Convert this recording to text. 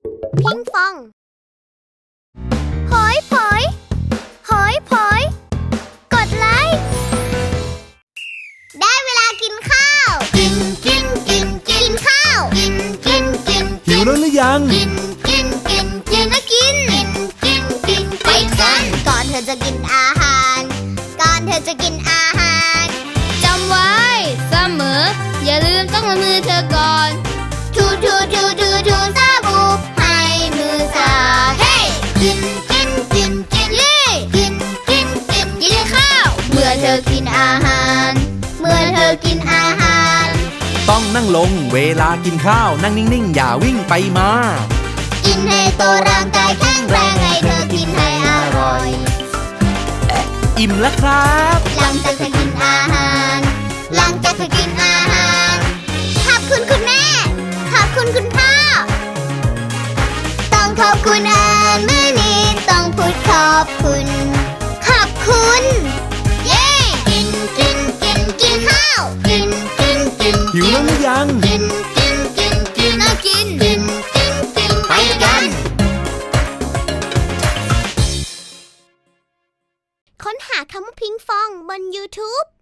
พิงฟองหอยผอยหอยผอยกดไลค์ได้เวลากินข้าวกินข้าวกินหิวแล้วหรือยังกินแล้วกินไปกันก่อนเธอจะกินอาหารจำไว้เสมออย่าลืมต้องละมือเธอก่อนทูซาบูให้มือสะอาดเฮ้กินเย่กินข้าวเมื่อเธอกินอาหารต้องนั่งลงเวลากินข้าวนั่งนิ่งๆอย่าวิ่งไปมากินให้โตร่างกายแข็งแรงให้เธอกินให้อร่อยอิ่มแล้วครับหลังจากเธอกินอาหารขอบคุณคุณแม่ขอบคุณคุณพ่อต้องขอบคุณอาหารมื้อนี้ต้องพูดขอบคุณเย้กินข้าวกินหิวแล้วหรือยังกินไปกันค้นหาคำว่าพิงฟองบน YouTube